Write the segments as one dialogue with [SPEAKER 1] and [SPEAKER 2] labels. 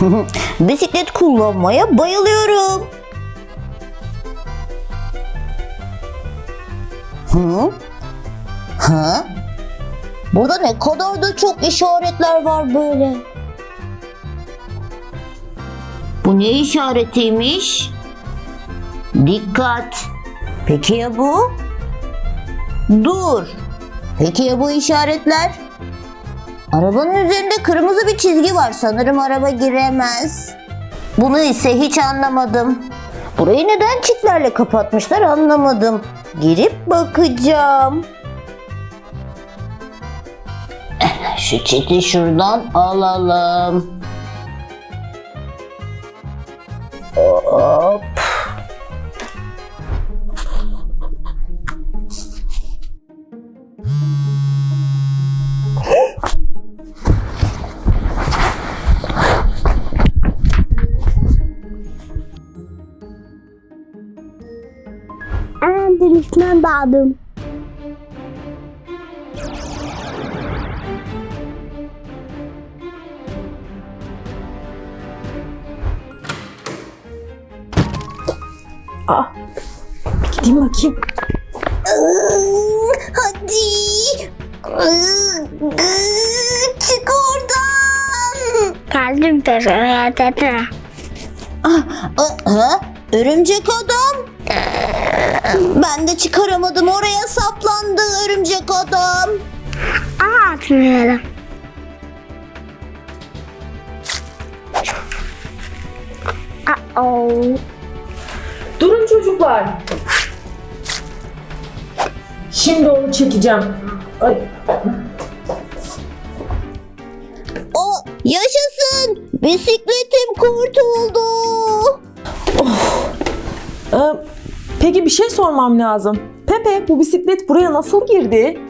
[SPEAKER 1] Bisiklet kullanmaya bayılıyorum. Burada ne kadar da çok işaretler var böyle. Bu ne işaretiymiş? Dikkat. Peki ya bu? Dur. Peki ya bu işaretler? Arabanın üzerinde kırmızı bir çizgi var. Sanırım araba giremez. Bunu ise hiç anlamadım. Burayı neden çitlerle kapatmışlar anlamadım. Girip bakacağım. Şu çiti şuradan alalım. Hop.
[SPEAKER 2] Üstüne daldım.
[SPEAKER 3] Gideyim bakayım.
[SPEAKER 1] Hadi. Çık oradan.
[SPEAKER 2] Geldim de.
[SPEAKER 1] Örümcek adam. Ben de çıkaramadım. Oraya saplandı örümcek adam.
[SPEAKER 2] Atmayalım.
[SPEAKER 3] Durun çocuklar. Şimdi onu çekeceğim. Ay.
[SPEAKER 1] Yaşasın. Bisikletim kurtuldu.
[SPEAKER 3] Peki bir şey sormam lazım. Pepe, bu bisiklet buraya nasıl girdi?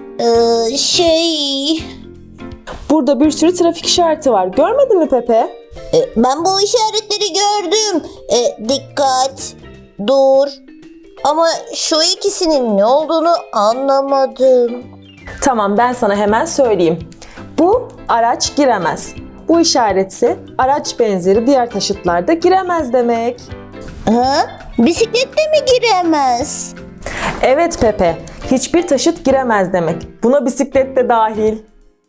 [SPEAKER 3] Burada bir sürü trafik işareti var. Görmedin mi Pepe?
[SPEAKER 1] Ben bu işaretleri gördüm. Dikkat, dur. Ama şu ikisinin ne olduğunu anlamadım.
[SPEAKER 3] Tamam, ben sana hemen söyleyeyim. Bu araç giremez. Bu işaretse araç benzeri diğer taşıtlarda giremez demek.
[SPEAKER 1] Bisiklette mi giremez?
[SPEAKER 3] Evet Pepe, hiçbir taşıt giremez demek. Buna bisiklet de dahil.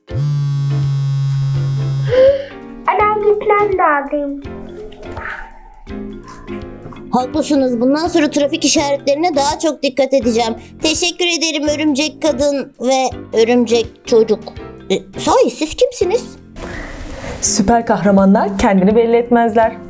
[SPEAKER 2] Ben gitmem lazım.
[SPEAKER 1] Haklısınız. Bundan sonra trafik işaretlerine daha çok dikkat edeceğim. Teşekkür ederim örümcek kadın ve örümcek çocuk. Sahi siz kimsiniz?
[SPEAKER 3] Süper kahramanlar kendini belli etmezler.